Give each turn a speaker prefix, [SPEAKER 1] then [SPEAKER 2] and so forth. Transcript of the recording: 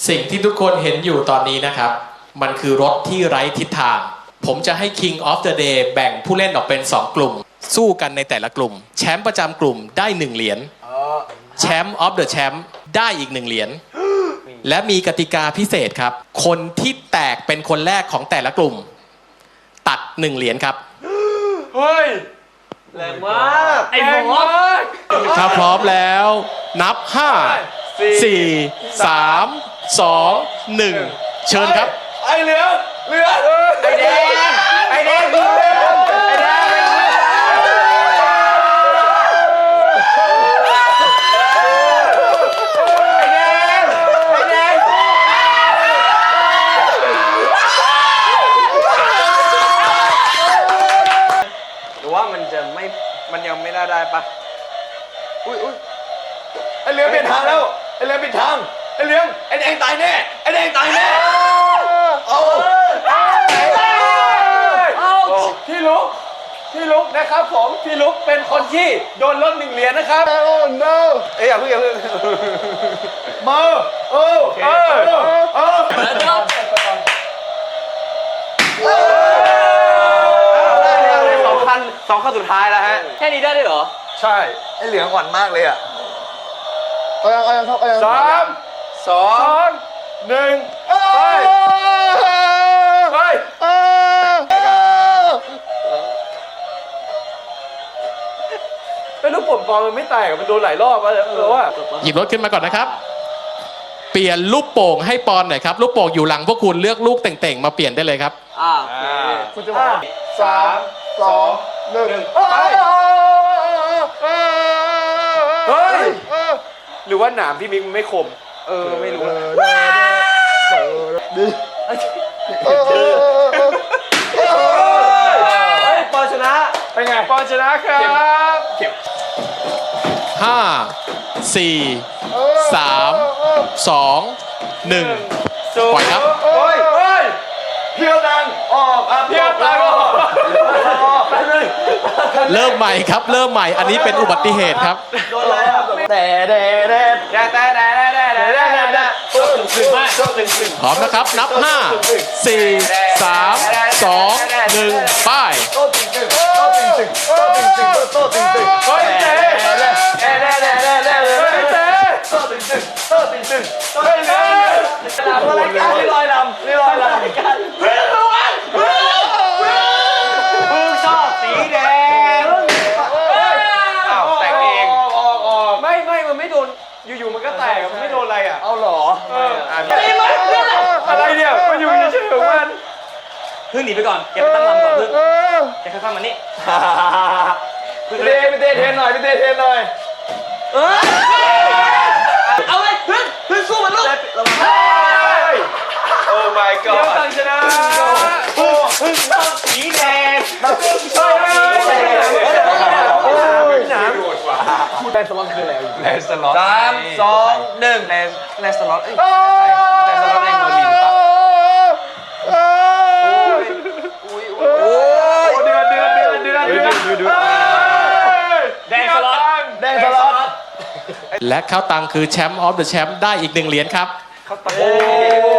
[SPEAKER 1] สิ่งที่ทุกคนเห็นอยู่ตอนนี้นะครับมันคือรถที่ไร้ทิศทางผมจะให้ King of the Day แบ่งผู้เล่นออกเป็น2กลุ่มสู้กันในแต่ละกลุ่มแชมป์ประจำกลุ่มได้1เหรียญแชมป์ of the Champ ได้อีก1เหรียญและมีกติกาพิเศษครับคนที่แตกเป็นคนแรกของแต่ละกลุ่มตัด1เหรียญครับ
[SPEAKER 2] เฮ้ยแรงมากไอ้หมอ
[SPEAKER 1] ถ้าพร้อมแล้วนับ5 4 3 2 1เชิญครับ
[SPEAKER 2] ไอ้เหลืองไอ้แดงไอ้แดงมันยังไม่ได้ปะอุ้ยไอเหลืองเปลี่ยนทางแล้วไอเหลืองเปลี่ยนทางไอเหลืองไอแดงตายแน่ไอแดงตายแน่เอาพี่ลุกนะครับผมพี่ลุกเป็นคนที่โดนลด1เหรียญนะครับno เอ้ยอย่าเพิ่งมาสองขั้นสุดท้ายแล้วฮะแค่นี้ได้ด้วยเหรอใช่ไอเหลืองอ่อนมากเลยอ่ะ3 2 1ไปเป็นลูกโป่งบอลมันไม่แตกมันโดนหลายรอบแล้วว่า
[SPEAKER 1] หยิบรถขึ้นมาก่อนนะครับเปลี่ยนลูกโป่งให้ปอนหน่อยครับลูกโป่งอยู่หลังพวกคุณเลือกลูกเต่งๆมาเปลี่ยนได้เลยครับ
[SPEAKER 2] คุณจะบอก3 2 1ไปเฮ้ยหรือว่าหนามพี่มิกไม่คมไม่รู้ปอนชนะเป็นไงปอนชนะครับ
[SPEAKER 1] 5 4 3 2 1ปล่อยครับ
[SPEAKER 2] เพียวดังออกเพียวดังออก
[SPEAKER 1] เริ่มใหม่ครับเริ่มใหม่อันนี้เป็นอุบัติเหตุครับ
[SPEAKER 2] โดนอะไร
[SPEAKER 1] พร้อมนะครับนับ5 4 3 2 1ไป
[SPEAKER 2] ลอยลำชอบสีแดงแต่งเองไม่มันไม่โดนอยู่ๆมันก็แตกมันไม่โดนอะไรอ่ะเอาหรออะไรเนี่ยมันอยู่เฉยๆของมันพึ่งหนีไปก่อนแกไปตั้งลำก่อนพึ่งแกข้างๆมันนี่พี่เต้เทนหน่อยเอาเลยพึ่งสู้มันลูกโอ้ my god เดี๋ยวตั้งชนะพึ่งชอบสีแดงพึ่งชอบสีแดงหนามแลนสล็อตคืออะไรแลนสล็อต3 2 1แลนสล็อตแลนสล็อตในเมอร์ลินปะเดือดแดงสล็อต
[SPEAKER 1] และเข้าตังคือแชมป์ออฟเดอะแชมป์ได้อีก1เหรียญครับ
[SPEAKER 2] เข้าตัง